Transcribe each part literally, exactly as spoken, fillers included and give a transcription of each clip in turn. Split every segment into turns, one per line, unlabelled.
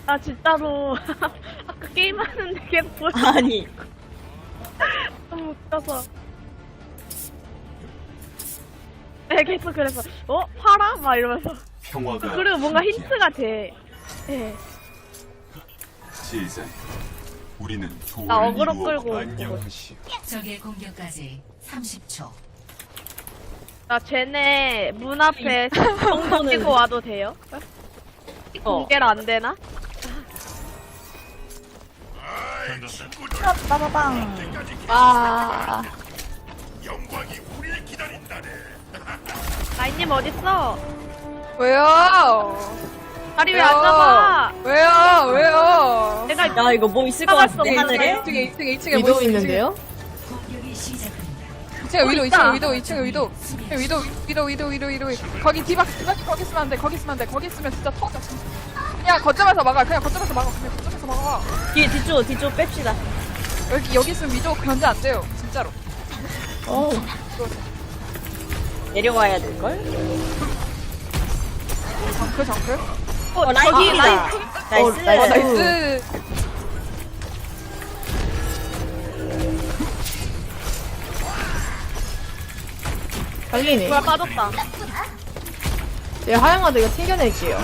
나 진짜로 아까 게임하는데 계속 보여.
아니.
너무 웃겨서. 네, 계속 그래서 어? 팔아? 막 이러면서.
평화가
그리고 뭔가
함께하리.
힌트가 돼. 예.
제자여, 우리는
나
조를
어그로
이루어
끌고
안녕하시오.
적의 공격까지 삼십 초.
나 쟤네 문 앞에 정도 찍고 와도 돼요?
어.
공개를 안 되나?
빠바방.
아,
라인님 어딨어?
왜요?
다리 왜 안 잡아?
왜요? 왜요?
내가
야, 이거 뭐 있을 것 같은데,
잡았어,
하늘에?
이 층에, 이 층에, 이 층에
위도
뭐 있-
있는데요?
공격이 시작됩니다.
이 층에 위도, 이
있다.
층에 위도, 이 층에 위도. 위도, 위도, 위도, 위도, 위도. 거기 디바, 디바, 거기 있으면 안 돼, 거기 있으면 안 돼. 거기 있으면 진짜 터져. 그냥 거점에서 막아, 그냥 거점에서 막아, 그냥 거점에서 막아.
뒤, 뒤쪽, 뒤쪽 뺍시다.
여기, 여기 있으면 위도 견제 안 돼요, 진짜로.
어,
내려와야 될걸?
정크, 정크.
어, 라인
저기
킬이다.
라인
나이스.
어, 나이스.
어, 나이스.
달리네.
뭐야 빠졌다.
얘 하영아도 이거 튕겨낼게요.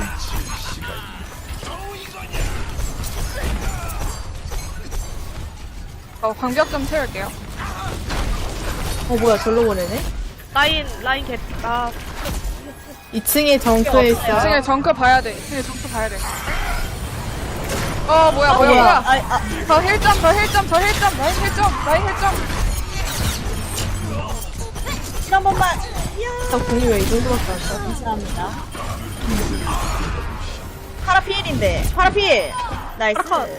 어, 광벽 좀 채울게요.
어, 뭐야, 절로 보내네?
라인 라인 개다.
이 층에 정크에
이
있어.
층에 정크 봐야 돼, 이 층에 정크 봐야 돼. 어, 뭐야, 뭐야,
뭐야.
뭐야.
아, 아,
저 힐점, 저 힐점, 저 힐점, 라인 힐점, 라인 힐점.
한 번만.
저 공이 왜 이 정도밖에 안 써?
감사합니다. 파라 필인데. 파라 필. 나이스.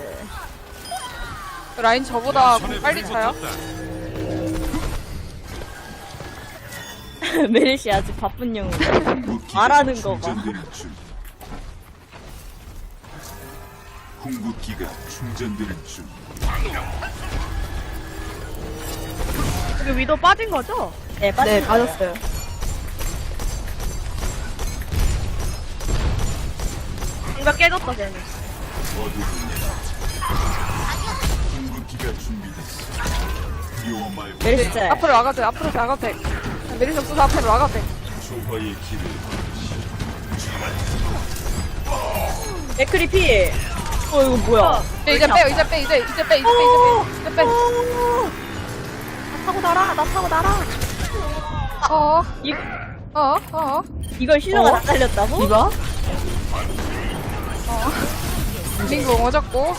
라인 저보다 빨리 차요?
메르시 아주 바쁜 영웅.
무기가
말하는 거 봐.
충전되는 중. 궁극기가 충전되는 중.
여기 위도 빠진 거죠?
네, 빠져.
네, 빠졌어요.
뭔가 깨졌다 쟤는.
어두운 궁극기가 준비됐어. 두려워 말고
메르시 짤.
앞으로 나가도 돼, 앞으로 나가도 돼. 내리시 없어서 앞으로 나가도 돼.
조화의 길을
맥크리 필. 어, 이거 뭐야?
이제, 이제 빼요, 이제 빼, 이제, 이제 빼, 이제 빼, 이제 빼, 이제 빼.
나 타고 날아. 나 타고 날아.
어,
이,
어, 어.
이걸 힐러가
어?
다 잘렸다고?
이봐?
링고 어졌고.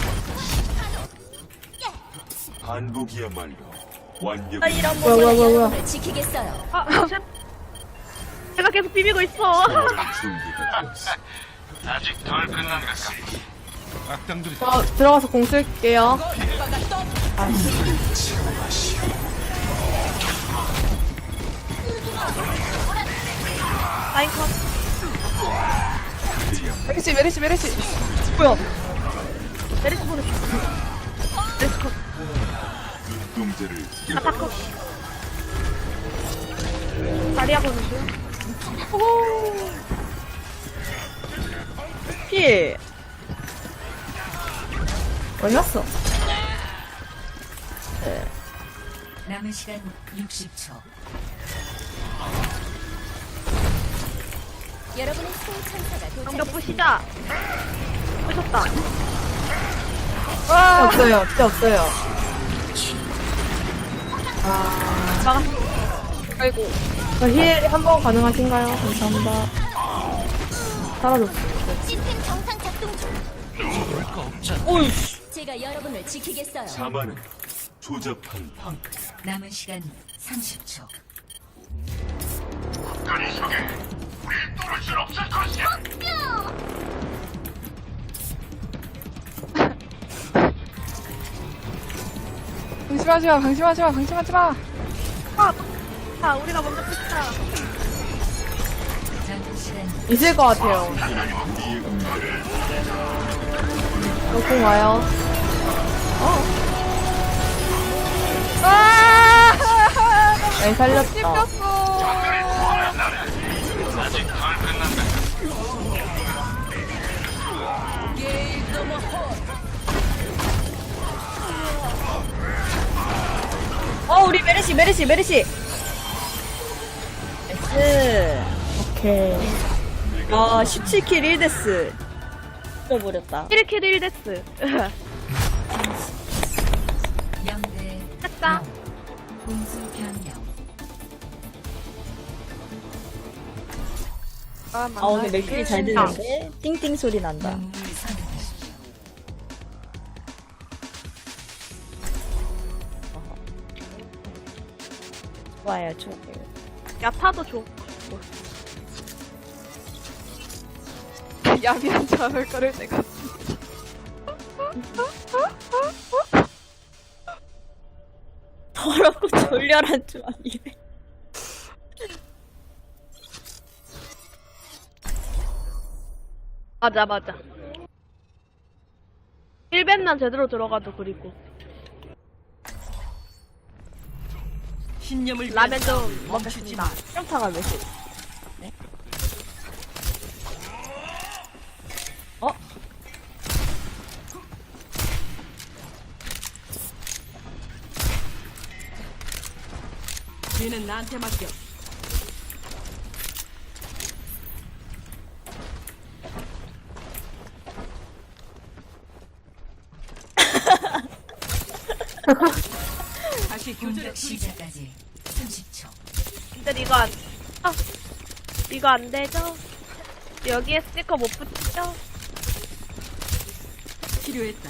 반복이야말로 완벽.
아, 이런
뭐야, 뭐야, 뭐야, 뭐야.
아, 쟤- 제가 계속 비비고 있어.
준비가 되었어.
저 들어가서 공 쓸게요.
라인 컷.
메리시, 메리시, 메리시.
뭐야?
메리스 보냈어. 메리스 컷.
눈동자를
아타 컷. 다리야 보는 중.
필.
어디 갔어?
남은 시간 육십 초.
공격 부시자. 부셨다.
진짜
와,
없어요. 진짜 없어요.
막아.
아이고.
저 힐 한 번 가능하신가요? 감사합니다. 사라졌어.
시스템 정상 작동 중.
오이.
제가 여러분을 지키겠어요.
자만은 조잡한 방.
남은 시간 삼십 초.
방심하지 마, 방심하지 마, 방심하지 마.
아, 자, 우리가 먼저 부시자.
남은 시간
있을 것 같아요.
우리의 운명을
저공 와요.
아!
네, 살렸다.
씹혔어.
메르시 메르시 메르시. 나이스.
오케이.
아 십칠 킬 일 데스. 잊어버렸다.
일 킬 일 데스.
영 대
했다.
공수 변경.
아 오늘 맥클이 잘 들리는데 띵띵 소리 난다.
영웅을 선택하십시오.
좋아요 좋아요.
야타도 좋고.
야비하지 않을 거를 내가.
더럽고 졸렬한 조합이래.
맞아, 맞아. 힐벤만 제대로 들어가도 그리고.
신념을
라면 좀 먹겠습니다.
평타가 몇 시? 네? 어?
위는 나한테 맡겨. 다시 교전에
공격 시작까지 삼십 초.
근데 이거 안, 아, 이거 안 되죠? 여기에 스티커 못 붙이죠?
필요했다.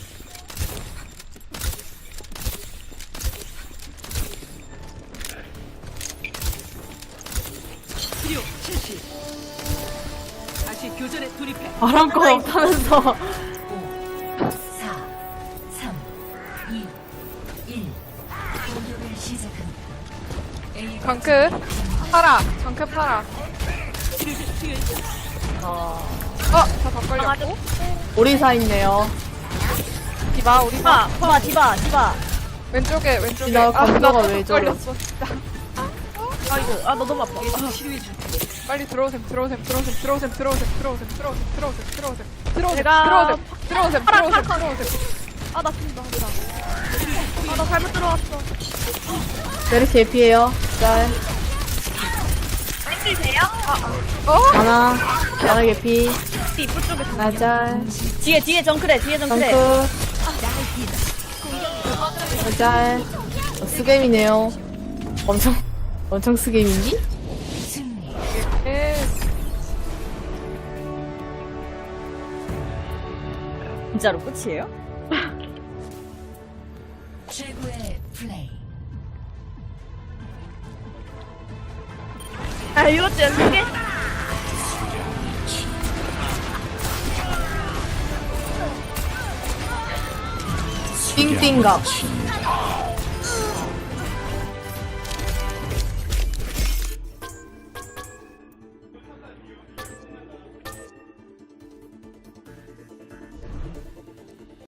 필요 실시. 다시 교전에 돌입해.
바람 거 없다면서.
오, 사, 삼, 이, 일. 공격을 시작합니다. A
정크 팔아. 정크 팔아.
치료제 필요했다.
어.
어, 저더 걸렸고.
오리사 있네요.
디바, 우리 봐.
디바 디바 디바.
왼쪽에, 왼쪽에.
디바
아,
감도가
나더
왜 저래?
걸렸어, 진짜.
아이고, 아, 너 너무 아파.
계속 치료해줄게.
빨리 들어오셈, 들어오셈, 들어오셈, 들어오셈, 들어오셈, 들어오셈, 들어오셈, 들어오셈, 들어오셈, 들어오셈,
제가
들어오셈, 들어오셈,
파라,
들어오셈,
파라.
들어오셈.
아, 나 죽는다, 나. 아, 나 잘못 들어왔어.
메르시 에피에요. 짤.
땡길 돼요? 아, 아.
어?
하나. 하나 개피.
이쁘 쪽에
하나 짤.
뒤에 뒤에 정크래 뒤에 정크래.
덩크. 하나 짤. 어, 스겜이네요. 엄청, 엄청 스겜인지?
승리.
예.
진짜로 끝이에요?
최고의 플레이.
아, 이것도 연습해?
띵띵갑.